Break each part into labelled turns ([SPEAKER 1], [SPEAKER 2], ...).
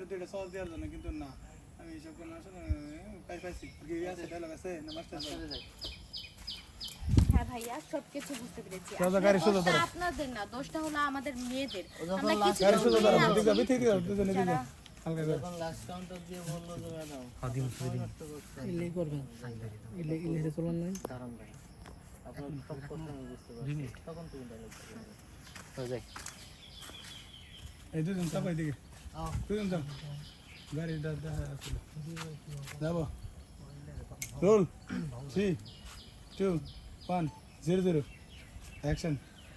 [SPEAKER 1] দুইটা সহজ দেওয়ার জন্য, কিন্তু না আমি এইসব কোনো আসলে পাইছি আছে ডায়লগ আছে না মাস্টার যাই।
[SPEAKER 2] হ্যাঁ ভাইয়া সবকিছু বুঝতে পেরেছি।
[SPEAKER 1] সোজা গাড়ি সোজা
[SPEAKER 2] দোষটা
[SPEAKER 1] ধরো।
[SPEAKER 2] আপনাদের না, দোষটা হলো আমাদের মেয়েদের।
[SPEAKER 3] যখন
[SPEAKER 2] আমরা
[SPEAKER 3] last
[SPEAKER 2] কিছু
[SPEAKER 1] গাড়ি সোজা ধরো,
[SPEAKER 2] মেয়ে
[SPEAKER 1] দিকে
[SPEAKER 2] আছি
[SPEAKER 1] বিথি দিও দুজনে দিকে
[SPEAKER 2] যারা
[SPEAKER 1] হালকা করে।
[SPEAKER 3] যখন লাস্ট কাউন্টার দিয়ে বললো যে ম্যাডাম
[SPEAKER 4] ইলে করবেন ইলে চলন নাই
[SPEAKER 3] দাঁড়ান ভাই আপনার সব কথা আমি বুঝতে পারছি তখন তুমি ডায়লগ হয়ে যায়
[SPEAKER 1] এই দুজন চাপাই দিকে
[SPEAKER 3] আও
[SPEAKER 1] দুজন চাপ গাড়িটা দেখা আসলে যাবো রোল 3 2 1 0 0 অ্যাকশন।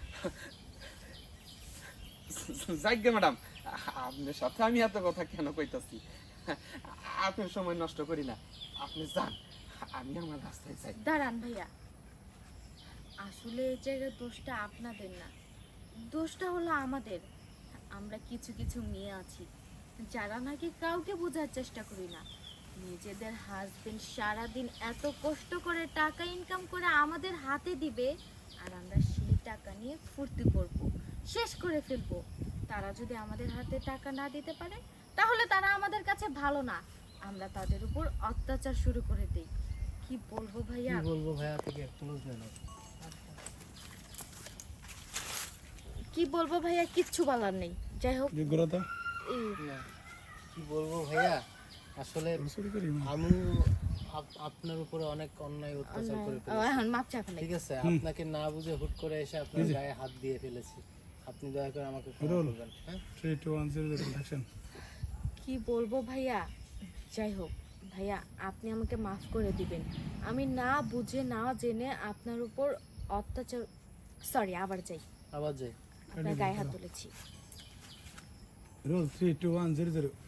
[SPEAKER 5] যাইগে ম্যাডাম, আপনার সাথে আমি এত কথা কেন কইতাছি? আপনার সময় নষ্ট করি না, আপনি যান, আমি আমার রাস্তায় যাই।
[SPEAKER 2] দাঁড়ান ভাইয়া, আসলে এই জায়গায় দোষটা আপনাদের না, দোষটা হলো আমাদের। আমরা কিছু কিছু মেয়ে আছি যারা নাকি কাউকে বোঝার চেষ্টা করি না। নিজেদের হাজবেন্ড সারাদিন এত কষ্ট করে টাকা ইনকাম করে আমাদের হাতে দিবে, আর আমরা সেই টাকা নিয়ে ফুর্তি করব, শেষ করে ফেলবো। তারা যদি আমাদের হাতে টাকা না দিতে পারে তাহলে তারা আমাদের কাছে ভালো না, আমরা তাদের উপর অত্যাচার শুরু করে দেই। কি বলবো ভাইয়া,
[SPEAKER 3] কি বলবো ভাইয়া থেকে ক্লোজ নেন
[SPEAKER 2] কি বলবো ভাইয়া, কিচ্ছু বলার নেই। যাই হোক
[SPEAKER 1] যোগ্যতা
[SPEAKER 2] এই
[SPEAKER 3] না কি বলবো ভাইয়া আসলে
[SPEAKER 1] শুরু করি
[SPEAKER 3] আমি আপনার উপরে অনেক অন্যায় অত্যাচার করে
[SPEAKER 2] ও,
[SPEAKER 3] ফেলেছি
[SPEAKER 2] এখন মাপ চা ফেলাই।
[SPEAKER 3] ঠিক আছে আপনাকে না বুঝে হুট করে এসে আপনার গায়ে হাত দিয়ে ফেলেছি আপনি দয়া করে আমাকে ক্ষমা
[SPEAKER 1] রোল।
[SPEAKER 3] করবেন হ্যাঁ
[SPEAKER 1] 3 2 1 0 0 অ্যাকশন।
[SPEAKER 2] কি বলবো ভাইয়া, যাই হোক ভাইয়া আপনি আমাকে মাফ করে দিবেন। আমি না বুঝে না জেনে আপনার উপর অত্যাচার, সরি আবার যাই,
[SPEAKER 3] আবার যাই
[SPEAKER 2] আপনার গায়ে হাত তুলেছি।
[SPEAKER 1] রোল 3 2 1 0 0